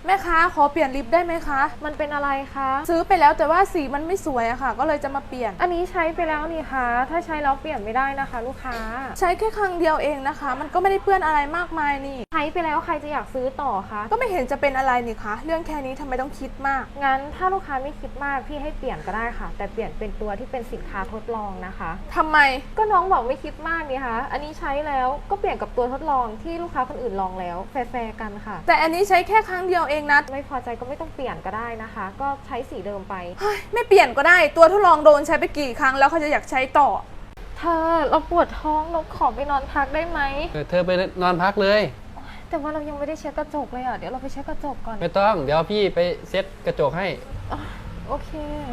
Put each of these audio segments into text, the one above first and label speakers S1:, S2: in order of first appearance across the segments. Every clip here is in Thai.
S1: แม่ค้าขอเปลี่ยนลิปได้ไหมคะ
S2: มันเป็นอะไรคะ
S1: ซื้อไปแล้วแต่ว่าสีมันไม่สวยอะค่ะก็เลยจะมาเปลี่ยน
S2: อันนี้ใช้ไปแล้วนี่คะถ้าใช้แล้วเปลี่ยนไม่ได้นะคะ ลูกค้า
S1: ใช้แค่ครั้งเดียวเองนะคะมันก็ไม่ได้เปื้อนอะไรมากมายนี่
S2: ใช้ไปแล้วใครจะอยากซื้อต่อคะ
S1: ก็ไม่เห็นจะเป็นอะไรนี่คะเรื่องแค่นี้ทำไมต้องคิดมาก
S2: งั้นถ้าลูกค้าไม่คิดมากพี่ให้เปลี่ยนก็ได้ค่ะแต่เปลี่ยนเป็นตัวที่เป็นสินค้าทดลองนะคะ
S1: ทำไม
S2: ก็น้องบอกไม่คิดมากนี่คะอันนี้ใช้แล้วก็เปลี่ยนกับตัวทดลองที่ลูกค้าคนอื่นลองแล้วแฟร์กันค่ะ
S1: แต่อันนี้ใช้แค่ครั้งเดียวเองนะ
S2: ไม่พอใจก็ไม่ต้องเปลี่ยนก็ได้นะคะก็ใช้สีเดิมไป
S1: ไม่เปลี่ยนก็ได้ตัวทดลองโดนใช้ไปกี่ครั้งแล้วเขาจะอยากใช้ต่อ
S2: เธอเราปวดท้องเราขอไปนอนพักได้ไหม
S3: เธอไปนอนพักเลย
S2: แต่ว่าเรายังไม่ได้เช็ดกระจกเลยอ่ะเดี๋ยวเราไปเช็ดกระจกก่อน
S3: ไม่ต้องเดี๋ยวพี่ไปเซ็ตกระจกให้
S2: โอเค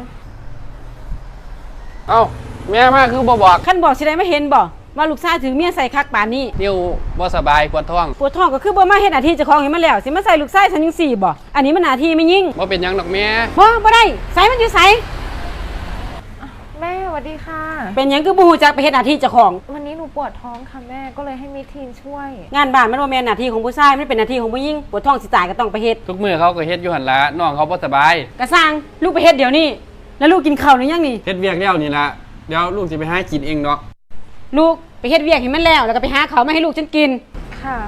S3: เอ้าแม่มาคือบอก
S4: ขั้นบอกสิได้ไม่เห็นบอกว่าลูกชายถือเมียใส่คักป่านนี้
S3: นิ้วบ่สบายปวดท้อง
S4: ก็คือบ่มาเฮ็ดหน้าที่เจ้าของให้มันแล้วสิมาใส่ลูกชายฉันจังซี่บ่อันนี้มันหน้าที่ไม่ยิ่ง
S3: บ่เป็นหยังดอกแม่
S4: บ่ได้ใส่มันอยู่ไส
S2: แม่สวัสดีค่ะ
S4: เป็นหยังคือบ่ฮู้จักไปเฮ็ดหน้าที่เจ้าของ
S2: วันนี้หนูปวดท้องค่ะแม่ก็เลยให้มีทีมช่วย
S4: งานบ้านมันบ่แม่นหน้าที่ของผู้ชายมันเป็นหน้าที่ของผู้หญิงปวดท้องสิตายก็ต้องไปเฮ็ด
S3: ทุกมื้อเขาก็เฮ็ดอยู่หั่นล่ะน้องเขาบ่สบาย
S4: ก็สร้างลูกไปเฮ็ดเดี๋ยวนี้แล้วลูกกินข้าวหรือยังนี่
S3: เฮ็ดเวียกแล้วนี่ล่ะเดี๋ยวลูกสิไปหากินเองเนาะ
S4: ลูกไปเฮ็ดเวียกให้มันแล้วก็ไปหาข้าวมาให้ลูกฉันกิน
S2: ค่ะ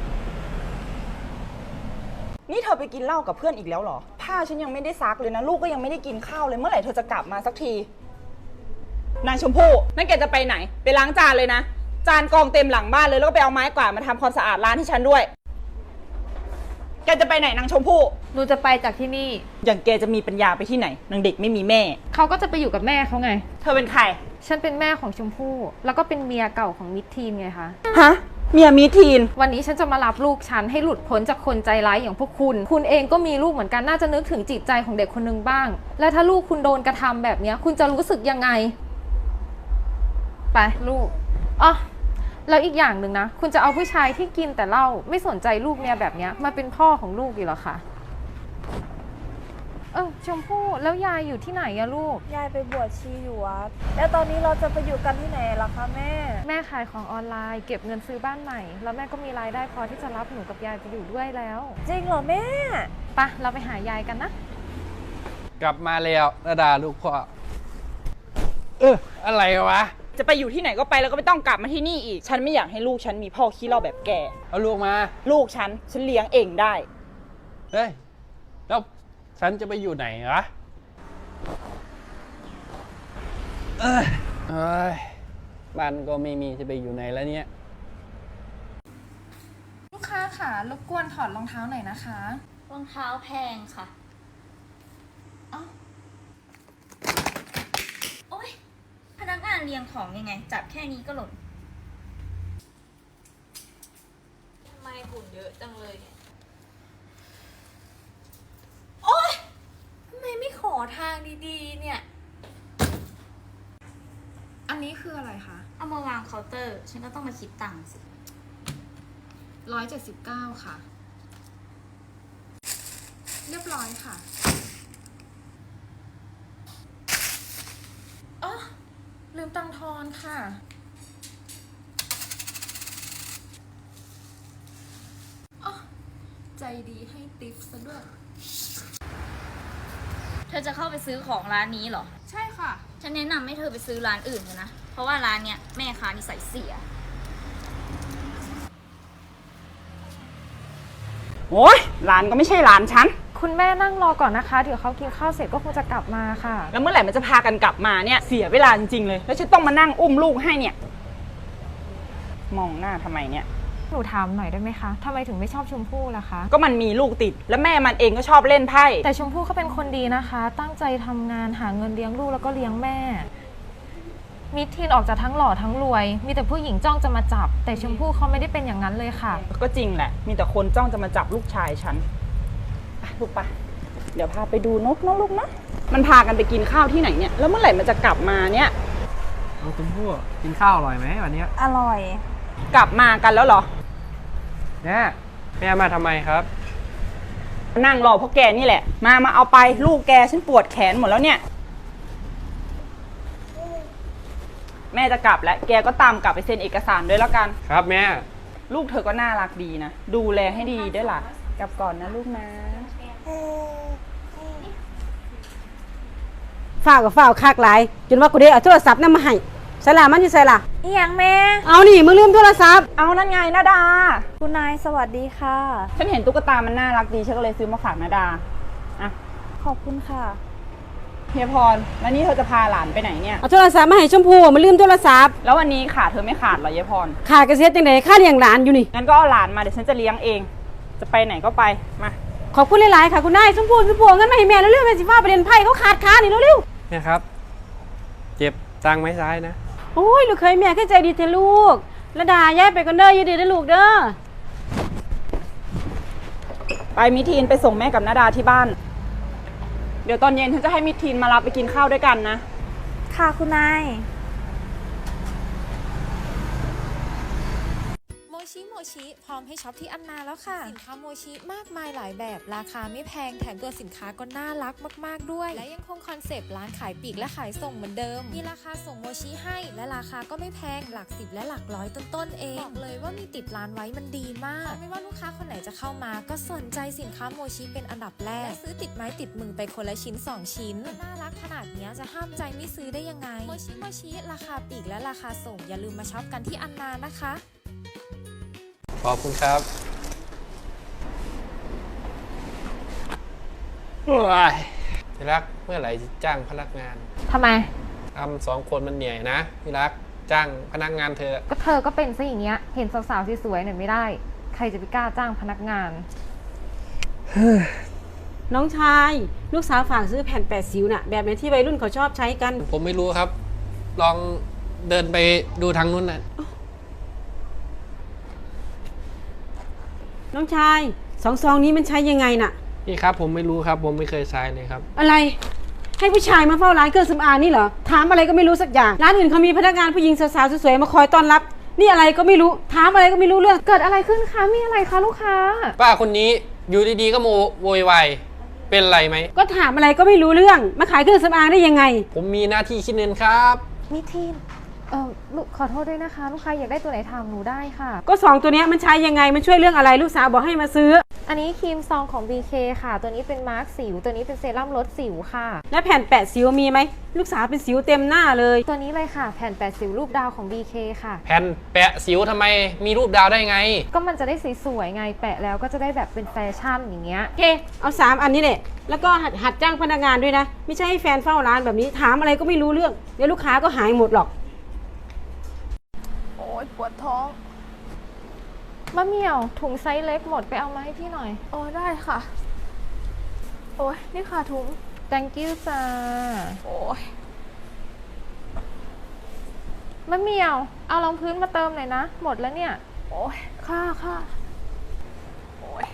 S5: นี่เธอไปกินเหล้ากับเพื่อนอีกแล้วเหรอผ้าฉันยังไม่ได้ซักเลยนะลูกก็ยังไม่ได้กินข้าวเลยเมื่อไหร่เธอจะกลับมาสักทีนางชมพู่นั่นแกจะไปไหนไปล้างจานเลยนะจานกองเต็มหลังบ้านเลยแล้วก็ไปเอาไม้กวาดมาทำความสะอาดร้านให้ฉันด้วยแกจะไปไหนนางชมพู่
S2: หนูจะไปจากที่นี่
S5: อย่างแกจะมีปัญญาไปที่ไหนนางเด็กไม่มีแม่
S2: เขาก็จะไปอยู่กับแม่เขาไง
S5: เธอเป็นใคร
S2: ฉันเป็นแม่ของชมพู่แล้วก็เป็นเมียเก่าของมิตรทีนไงคะ
S5: ฮะเมียมิทีน
S2: วันนี้ฉันจะมารับลูกฉันให้หลุดพ้นจากคนใจร้ายอย่างพวกคุณเองก็มีลูกเหมือนกันน่าจะนึกถึงจิตใจของเด็กคนนึงบ้างและถ้าลูกคุณโดนกระทำแบบนี้คุณจะรู้สึกยังไงไปลูกอ๋อแล้วอีกอย่างหนึ่งนะคุณจะเอาผู้ชายที่กินแต่เหล้าไม่สนใจลูกเมียแบบนี้มาเป็นพ่อของลูกอยู่หรอคะชมพู่แล้วยายอยู่ที่ไหนอะลูก
S1: ยายไปบวชชีอยู่วัดแล้วตอนนี้เราจะไปอยู่กันที่ไหนล่ะคะ
S2: แม่ขายของออนไลน์เก็บเงินซื้อบ้านใหม่แล้วแม่ก็มีรายได้พอที่จะรับหนูกับยายไปอยู่ด้วยแล้ว
S1: จริงเหรอแม่
S2: ปะเราไปหายายกันนะ
S3: กลับมาแล้วระดาลูกพ่ออะไรวะ
S5: จะไปอยู่ที่ไหนก็ไปแล้วก็ไม่ต้องกลับมาที่นี่อีกฉันไม่อยากให้ลูกฉันมีพ่อขี้เหล้าแบบแก
S3: เอาลูกมา
S5: ลูกฉันเลี้ยงเองได้
S3: เฮ้ยแล้วฉันจะไปอยู่ไหนวะบ้านก็ไม่มีจะไปอยู่ไหนแล้วเนี่ย
S2: ลูกค้าค่ะรบกวนถอดรองเท้าหน่อยนะคะ
S6: รองเท้าแพงค่ะโอ๊ยพนักงานเรียงของยังไงจับแค่นี้ก็หล่นทำไมฝุ่นเยอะจังเลยโอ๊ยทำไมไม่ขอทางดีๆเนี่ย
S2: อันนี้คืออะไรคะ
S6: เอามาวางเคาน์เตอร์ฉันก็ต้องมาคิดตังค์สิ
S2: 179ค่ะเรียบร้อยค่ะลืมตังทอนค่ะใจดีให้ติปซะด้วย
S6: เธอจะเข้าไปซื้อของร้านนี้เหรอ
S2: ใช่ค่ะ
S6: ฉันแนะนำให้เธอไปซื้อร้านอื่นนะเพราะว่าร้านเนี้ยแม่ค้านิสัยเสีย
S5: โอ๊ยร้านก็ไม่ใช่ร้านฉัน
S2: คุณแม่นั่งรอก่อนนะคะเดี๋ยวเขากินข้าวเสร็จก็คงจะกลับมาค่ะ
S5: แล้วเมื่อไหร่มันจะพากันกลับมาเนี่ยเสียเวลาจริงๆเลยแล้วฉันต้องมานั่งอุ้มลูกให้เนี่ยมองหน้าทำไมเนี่ย
S2: หนูถามหน่อยได้ไหมคะทำไมถึงไม่ชอบชมพู่ล่ะคะ
S5: ก็มันมีลูกติดและแม่มันเองก็ชอบเล่นไพ่
S2: แต่ชมพู่เขาเป็นคนดีนะคะตั้งใจทำงานหาเงินเลี้ยงลูกแล้วก็เลี้ยงแม่มิทีนออกจากทั้งหล่อทั้งรวยมีแต่ผู้หญิงจ้องจะมาจับแต่ชมพู่เขาไม่ได้เป็นอย่างนั้นเลยค่ะ
S5: ก็จริงแหละมีแต่คนจ้องจะมาจับลูกชายฉันลูกปะเดี๋ยวพาไปดูนกนะลูกนะมันพากันไปกินข้าวที่ไหนเนี่ยแล้วเมื่อไหร่มันจะกลับมาเนี่ย
S3: ชมพู่กินข้าวอร่อยไหมวันนี้
S1: อร่อย
S5: กลับมากันแล้วเหรอ
S3: แม่มาทำไมครับ
S5: นั่งรอพวกแกนี่แหละมาเอาไปลูกแกฉันปวดแขนหมดแล้วเนี่ยแม่จะกลับแล้วแกก็ตามกลับไปเซ็นเอกสารด้วยแล้วกัน
S3: ครับแม่
S5: ลูกเธอก็น่ารักดีนะดูแลให้ดีด้วยล่ะกลับก่อนนะลูกนะ
S4: ฝ้าวกับฝ้าวคากหลายจนว่ากูได้เอาโทรศัพท์นำมาให้ใส่ล่ะมันอยู่ใส่ล่ะ
S1: อีหยังแม่
S4: เอานี่มึงลืมโทรศัพท์
S5: เอานั่นไงนาดา
S1: คุณนายสวัสดีค่ะ
S5: ฉันเห็นตุ๊กตามันน่ารักดีฉันก็เลยซื้อมาฝากนาดาอ่ะ
S1: ขอบคุณค่ะ
S5: เฮียพรแล้วนี่เธอจะพาหลานไปไหนเนี่ย
S4: เอาโทรศัพท์มาให้ชมพู่มันลืมโทรศัพท์
S5: แล้ววันนี้ขาเธอไม่ขาดเหรอเฮียพร
S4: ขาดกระเซ็ดจังไดค่าเลี้ยงหลานอยู่นี่
S5: งั้นก็เอาหลานมาเดี๋ยวฉันจะเลี้ยงเอง จะไปไหนก็ไปมา
S4: ขอบคุณหลายๆค่ะคุณนายชมพู่เอาเงินมาให้แม่เร็วๆแม่สิฟ้าไปเรียนไพ่เขาขาดขานี่เร็ว
S3: เนี่ยครับ เจ็บจังไหมซ้ายนะ
S4: ๆโอ้ยลูกเคยแม่เข้าใจดีเถอะลูกระดาย้ายไปกันเด้ออย่าดื้อเด้อลูกเด้อ
S5: ไปมิทีนไปส่งแม่กับนาดาที่บ้าน เดี๋ยวตอนเย็นฉันจะให้มิทีนมารับไปกินข้าวด้วยกันนะ
S1: ค่ะคุณนาย
S2: โมชิพร้อมให้ช็อปที่อันนาแล้วค่ะ สินค้าโมชิมากมายหลายแบบ ราคาไม่แพงแถมตัวสินค้าก็น่ารักมากๆด้วย และยังคงคอนเซปต์ร้านขายปลีกและขายส่งเหมือนเดิม มีราคาส่งโมชิให้และราคาก็ไม่แพงหลักสิบและหลักร้อยต้นๆเองบอกเลยว่ามีติดร้านไว้มันดีมากไม่ว่าลูกค้าคนไหนจะเข้ามาก็สนใจสินค้าโมชิเป็นอันดับแรกและซื้อติดไม้ติดมือไปคนละชิ้น2ชิ้นน่ารักขนาดนี้จะห้ามใจไม่ซื้อได้ยังไงโมชิราคาปลีกและราคาส่งอย่าลืมมาช็อปกันที่อันนานะคะ
S3: ขอบคุณครับว้ายที่รักเมื่อไหร่จะจ้างพนักงาน
S2: ทำไม
S3: ทำ2 คนมันเหนื่อยนะที่รักจ้างพนักงานเธอ
S2: ก็เธอก็เป็นซะอย่างเงี้ย เห็นสาวๆสวยๆหน่อยไม่ได้ ใครจะไปกล้าจ้างพนักงาน
S4: น้องชายลูกสาวฝากซื้อแผ่นแปดสิวน่ะแบบไหนที่วัยรุ่นเขาชอบใช้กัน
S3: ผมไม่รู้ครับ ลองเดินไปดูทางนู้นนะ
S4: น้องชายซองนี้มันใช้ยังไงน่ะ
S3: พี่ครับผมไม่รู้ครับ ผมไม่เคยใช้เลยครับ
S4: อะไรให้ผู้ชายมาเฝ้าร้านเครื่องสำอางนี่เหรอถามอะไรก็ไม่รู้สักอย่างร้านอื่นเขามีพนักงานผู้หญิงสาวๆสวยๆมาคอยต้อนรับ นี่อะไรก็ไม่รู้ถามอะไรก็ไม่รู้เรื่อง
S2: เกิดอะไรขึ้นคะ มีอะไรคะลูกค้า
S3: ป้าคนนี้อยู่ดีๆก็โวยวายเป็นไรไหม
S4: ก็ถามอะไรก็ไม่รู้เรื่องมาขายเครื่องสำอางได้ยังไง
S3: ผมมีหน้าที่คิดเงินครับ
S2: มิทีนลูกขอโทษด้วยนะคะ ลูกค้าอยากได้ตัวไหนถามหนูได้ค่ะ
S4: ก็สองตัวเนี้ยมันใช้ยังไงมันช่วยเรื่องอะไรลูกสาวบอกให้มาซื้อ
S2: อันนี้ครีมซองของ BK ค่ะ ตัวนี้เป็นมาร์คสิว ตัวนี้เป็นเซรั่มลดสิวค่ะ
S4: และแผ่นแปะสิวมีไหมลูกสาวเป็นสิวเต็มหน้าเลย
S2: ตัวนี้เลยค่ะ แผ่นแปดสิวรูปดาวของ BK ค่ะ
S3: แผ่นแปะสิวทำไมมีรูปดาวได้ไง
S2: ก็มันจะได้สวยๆไง แปะแล้วก็จะได้แบบเป็นแฟชั่นอย่างเงี้ย
S4: โอเคเอา3อันนี้แหละแล้วก็หัดจ้างพนักงานด้วยนะไม่ใช่ให้แฟนเฝ้าร้านแบบนี้ถามอะไรก็ไม่รู้เรื่องเดี๋ยวลูกค้าก็หายหมดหรอก
S1: โอ้ยปวดท้อง
S2: มะเหมี่ยวถุงไซส์เล็กหมดไปเอามาให้พี่หน่อย
S1: โอ้ได้ค่ะ โอ้ยนี่ค่ะถุง
S2: thank you จ้า
S1: โอ้ย
S2: มะเหมี่ยวเอารองพื้นมาเติมหน่อยนะ หมดแล้วเนี่ย
S1: โอ้ยค่ะค่ะโอ้ย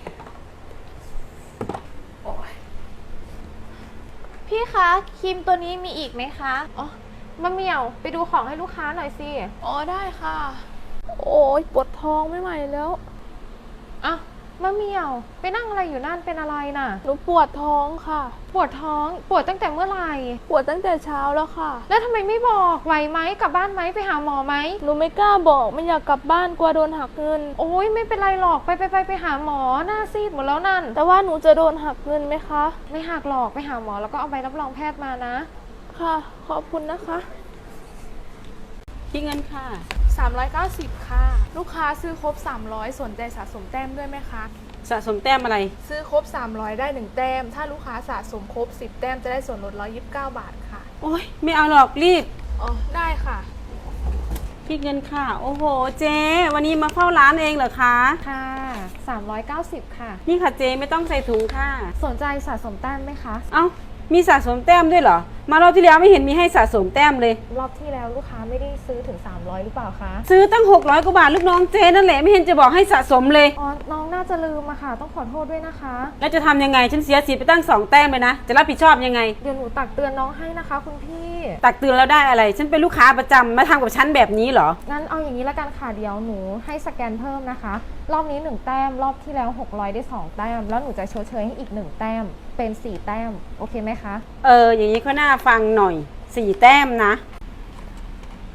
S1: โอ้ยพี่คะครีมตัวนี้มีอีกไหมคะอ๋อ
S2: มะเหมี่ยวไปดูของให้ลูกค้าหน่อยสิ
S1: อ๋อได้ค่ะ โอ้ยปวดท้องไม่ไหวแล้ว
S2: อ่ะมะเหมี่ยวไปนั่งอะไรอยู่นั่นเป็นอะไรน่ะ
S1: หนูปวดท้องค่ะ
S2: ปวดท้องปวดตั้งแต่เมื่อไหร่
S1: ปวดตั้งแต่เช้าแล้วค่ะ
S2: แล้วทำไมไม่บอกไหวไหมกลับบ้านไหมไปหาหมอไหม
S1: หนูไม่กล้าบอกไม่อยากกลับบ้านกลัวโดนหักเงิน
S2: โอ้ยไม่เป็นไรหรอกไปหาหมอหน้าซีดหมดแล้วนั่น
S1: แต่ว่าหนูจะโดนหักเงินไหมคะ
S2: ไม่หักหรอกไปหาหมอแล้วก็เอาใบรับรองแพทย์มานะ
S1: ค่ะ ขอบคุณนะคะ
S4: ที่เงินค่ะ
S7: 390 ค่ะ ลูกค้าซื้อครบ 300 สนใจสะสมแต้มด้วยไหมคะ
S4: สะสมแต้มอะไร
S7: ซื้อครบ 300 ได้ 1 แต้ม ถ้าลูกค้าสะสมครบ 10 แต้มจะได้ส่วนลด129 บาทค่ะ
S4: โอ้ยไม่เอาหรอกรีบ
S7: อ๋อ ได้ค่ะ
S4: พี่เงินค่ะ โอ้โหเจ๊วันนี้มาเฝ้าร้านเองเหรอคะ
S2: ค่ะ390ค่ะ
S4: นี่ค่ะเจ๊ไม่ต้องใส่ถุงค่ะ
S2: สนใจสะสมแต้มไหมคะ
S4: เอ้ามีสะสมแต้มด้วยเหรอมารอบที่แล้วไม่เห็นมีให้สะสมแต้มเลย
S2: รอบที่แล้วลูกค้าไม่ได้ซื้อถึง300หรือเปล่าคะ
S4: ซื้อตั้ง600กว่าบาทลูกน้องเจ๊นั่นแหละไม่เห็นจะบอกให้สะสมเลย
S2: อ๋อน้องน่าจะลืมอะค่ะ ต้องขอโทษด้วยนะคะ
S4: แล้วจะทำยังไงฉันเสียสิทธิ์ไปตั้ง2แต้มเลยนะจะรับผิดชอบยังไง
S2: เดี๋ยวหนูตักเตือนน้องให้นะคะ คุณพี่
S4: ตักเตือนแล้วได้อะไร ฉันเป็นลูกค้าประจำมาทำกับฉันแบบนี้เหรอ
S2: งั้นเอาอย่างนี้ละกันค่ะเดี๋ยวหนูให้สแกนเพิ่มนะคะ รอบนี้1แต้มรอบที่แล้ว600ได้2แต้มแล้วหนูจะชดเชยให้อีก1แต้มเป็น4แต้มโอเคไหมคะ
S4: อย่างนี้ก็น่าฟังหน่อย4แต้มนะ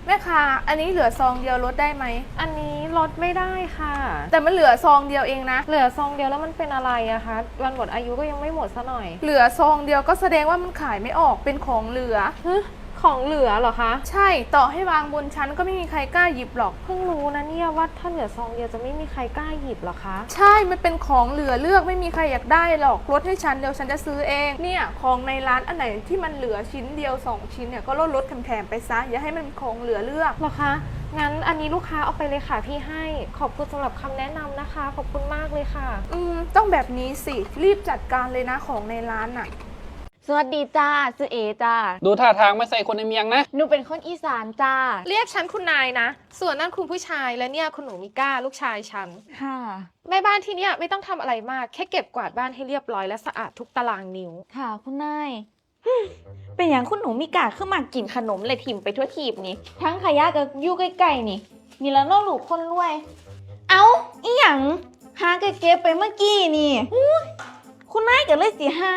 S7: แม่ค้าอันนี้เหลือซองเดียวลดได้ไหม
S2: อันนี้ลดไม่ได้ค่ะ
S7: แต่มันเหลือซองเดียวเองนะ
S2: เหลือซองเดียวแล้วมันเป็นอะไรอะคะวันหมดอายุก็ยังไม่หมดซะหน่อย
S7: เหลือซองเดียวก็แสดงว่ามันขายไม่ออกเป็นของเหลือ
S2: ของเหลือเหรอคะ
S7: ใช่ต่อให้วางบนชั้นก็ไม่มีใครกล้าหยิบหรอก
S2: เพิ่งรู้นะเนี่ยว่าถ้าเหลือซองเดียวจะไม่มีใครกล้าหยิบเหรอคะ
S7: ใช่มันเป็นของเหลือเลือกไม่มีใครอยากได้หรอกลดให้ฉันเดี๋ยวฉันจะซื้อเองเนี่ยของในร้านอันไหนที่มันเหลือชิ้นเดียว2ชิ้นเนี่ยก็ลดแถมๆไปซะอย่าให้มันเป็นของเหลือเลือก
S2: เหรอคะงั้นอันนี้ลูกค้าเอาไปเลยค่ะพี่ให้ขอบคุณสำหรับคำแนะนำนะคะขอบคุณมากเลยค่ะ
S7: ต้องแบบนี้สิรีบจัดการเลยนะของในร้านน่ะ
S1: สวัสดีจ้าชื่อเอจ้า
S3: ดูท่าทางไม่ใส่คนในเมียงนะ
S1: หนูเป็นคนอีสานจ้า
S2: เรียกฉันคุณนายนะ ส่วนนั่นคุณผู้ชายและเนี่ยคุณหนูมิก้าลูกชายฉัน
S1: ค่ะ
S2: แม่บ้านที่เนี่ยไม่ต้องทำอะไรมากแค่เก็บกวาดบ้านให้เรียบร้อยและสะอาดทุกตารางนิ้ว
S1: ค่ะคุณนาย เป็นอย่างคุณหนูมีกาขึ้นมากินขนมเลยถิ่มไปทั่วทีบนี่ทั้งขยะกับอยู่ใกล้ๆนี่นี่แล้วน้องหลูกคนรวย เอาอีหยังหาเก็บไปเมื่อกี้นี่อุ๊ยคุณนายก็เลยสิให้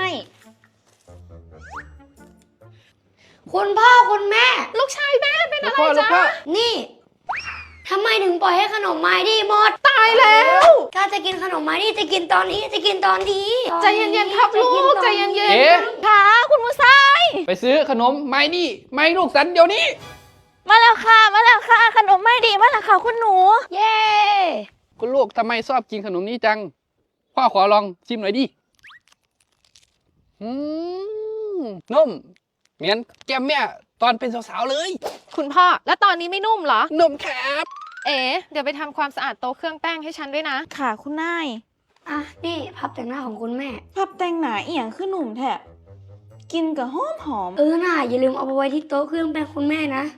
S8: คุณพ่อคุณแม่
S2: ลูกชายแม่เป็น
S3: ลู
S2: อะ
S3: ก
S2: ไร
S3: พ่อลูก
S2: จ๊ะ
S3: พ่อ
S8: นี่ทำไมถึงปล่อยให้ขนมไม้ดีหมด
S2: ตายแล้ว
S8: ถ้าจะกินขนมไม้ดีจะกินตอนนี้จะกินตอนนี้
S2: ใจเย็นๆครับลูกใจเย็น
S3: เอ๊ะ
S1: ค่ะคุณผู้ชาย
S3: ไปซื้อขนมไม้นี่ไม้ลูกสันเดี๋ยวนี้
S1: มาแล้วค่ะมาแล้วค่ะขนมไม่ดีมาแล้วค่ะคุณหนู เย้
S3: คุณลูกทำไมชอบกินขนมนี้จัง พ่อขอลองชิมหน่อยดินุ่มเหมือนแก้มแม่ตอนเป็นสาวๆเลย
S2: ๆคุณพ่อแล้วตอนนี้ไม่นุ่มเหรอ
S3: นุ่มครับ
S2: เอ๋เดี๋ยวไปทำความสะอาดโต๊ะเครื่องแป้งให้ฉันด้วยนะ
S1: ค่ะคุณนาย
S8: อ่ะ นี่พับแต่งหน้าของคุณแม่
S1: พับแต่งหนาเอียงคือหนุ่มแท้กินกับหอมหอม
S8: น่าอย่าลืมเอาไปไว้ที่โต๊ะเครื่องแป้งคุณแม่นะ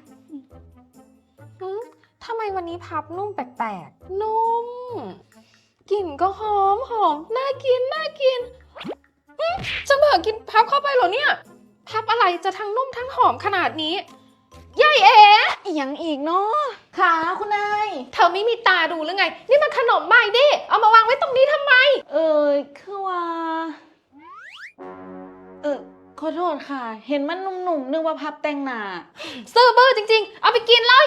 S2: ทำไมวันนี้พับนุ่มแปลกๆ นุ่ม กลิ่นก็หอมน่ากินจะเบิกกินพับเข้าไปเหรอเนี่ย พับอะไรจะทั้งนุ่มทั้งหอมขนาดนี้ยายเอ๋
S1: อีหยังอีกเนาะค่ะคุณนาย
S2: เธอไม่มีตาดูหรือไง นี่มันขนมใหม่ดิ เอามาวางไว้ตรงนี้ทำไม
S1: คือว่า ขอโทษค่ะ เห็นมันหนุ่มๆนึกว่าพับแต่งหน้า
S2: ซื้อบื้อจริงๆ เอาไปกินเลย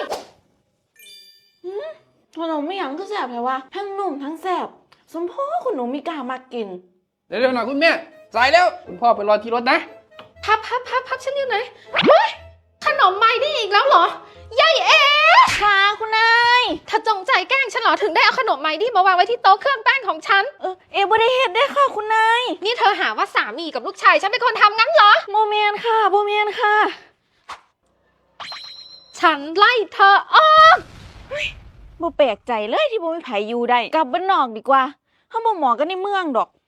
S1: ขนมไม่หยังก็แสบแต่ว่าทั้งนุ่มทั้งแสบสมพ่อคุณหนูมีกล้ามากิน
S3: เร็วๆหน่อยคุณแม่สายแล้วคุณพ่อไปรอที่รถนะ
S2: พับฉันอยู่ไหนเฮ้ยขนมใหม่ได้อีกแล้วเหรอยายเอ๋
S1: ค่ะคุณนาย
S2: เธอจงใจแกล้งฉันเหรอถึงได้เอาขนมใหม่ดิมาวางไว้ที่โต๊ะเครื่องแป้งของฉัน
S1: บ่ได้เฮ็ดได้ค่ะคุณนาย
S2: นี่เธอหาว่าสามีกับลูกชายฉันเป็นคนทำงั้นเหรอ
S1: โมเมนค่ะโมเมนค่ะ
S2: ฉันไล่เธอออก
S1: บ่แปลกใจเลยที่บ่มีไผอยู่ได้กลับบ้านนอกดีกว่าเฮาบ่เหมาะกันในเมืองดอก